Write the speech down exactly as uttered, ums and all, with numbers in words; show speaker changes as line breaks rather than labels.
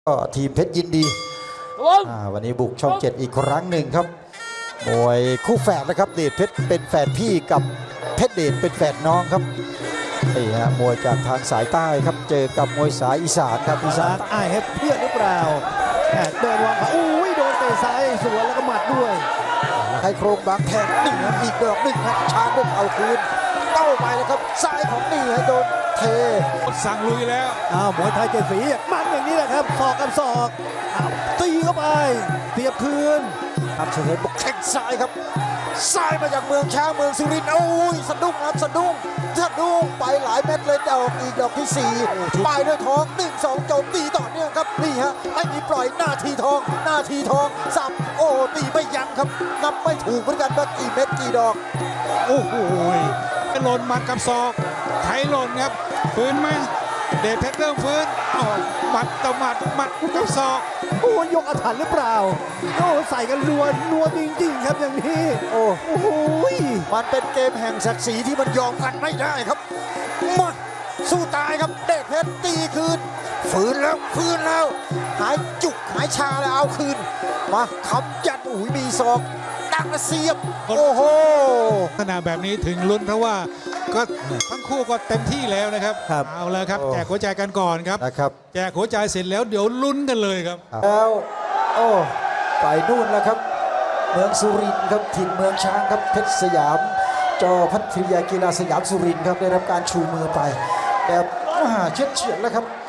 ก็ทีมเพชรยินดีวันนี้บุกช่องเจ็ดอีกครั้งหนึ่งครับมวยคู่แฝดนะครับเดชเพชรเป็นแฝดพี่กับเพชรเดชเป็นแฝดน้องครับนี่ฮะมวยจากทางสายใต้ครับเจอกับมวยสายอีสานครับอีสาน
อ้ายให้เพื่อนหรือเปล่าเดินวางขาอุ้ยโดนเตะซ้ายสวนแล้วก็หมัดด้วย
ให้โครงบางแทงหนึ่งอีกดอกหนึ่งครับชาด้วยเอาคืนเต้าไปแล้วครับซ้ายของนี่ให้โดนเท
สั่งลุยแล้ว
อ้าวมวยไทยเจ็ดสีมันอย่างนี้แหละครับศอกกับศอกตีเข้าไปเสียบคืน
ครับเฉลิมบอกแข้งซ้ายครับซ้ายมาจากเมืองช้างเมืองสุรินทร์โอ้ยสะดุ้งครับสะดุ้งสะดุ้งไปหลายเม็ดเลยดอกอีกดอกที่สี่ไปด้วยท้องหนึ่งสองโจมตีต่อเนื่องครับนี่ฮะไม่มีปล่อยหน้าทีทองหน้าทีทองสับโอ้ตีไม่ยั้งครับนับไม่ถูกเหมือนกันว่ากี่เม็ดกี่ดอก
โอ้โหหล่นหมัดกับศอกไถหล่นครับฟื้นไหมเดชเพชรเริ่มฟื้นอ๋อหมัดต่อหมัดหมัดกับศอก
โอ้ยกอาถรรพ์หรือเปล่าโอ้ใส่กันนัวนัวจริงๆครับอย่างนี้
โอ้โหมันเป็นเกมแห่งศักดิ์ศรีที่มันยอมกันไม่ได้ครับมาสู้ตายครับเดชเพชรตีคืนฟื้นแล้วฟื้นแล้วหายจุกหายชาแล้วเอาคืนมาคำยันอุ้ยมีศอกดังเสียบโอ้โห
ขณะแบบนี้ถึงลุ้นเพราะว่าก็ทั้งคู่ก็เต็มที่แล้วนะครับเอาแล้วครับแจกหัวใจกันก่อนครับ
นะครับ
แจกหัวใจเสร็จแล้วเดี๋ยวลุ้นกันเลยครับ
แล้วโอ้ไปนู่นแล้วครับเมืองสุรินทร์ครับถิ่นเมืองช้างครับเพชรสยามจอพัทยากีฬาสยามสุรินทร์ครับได้รับการชูมือไปแต่มหาเฉียดเฉียดแล้วครับ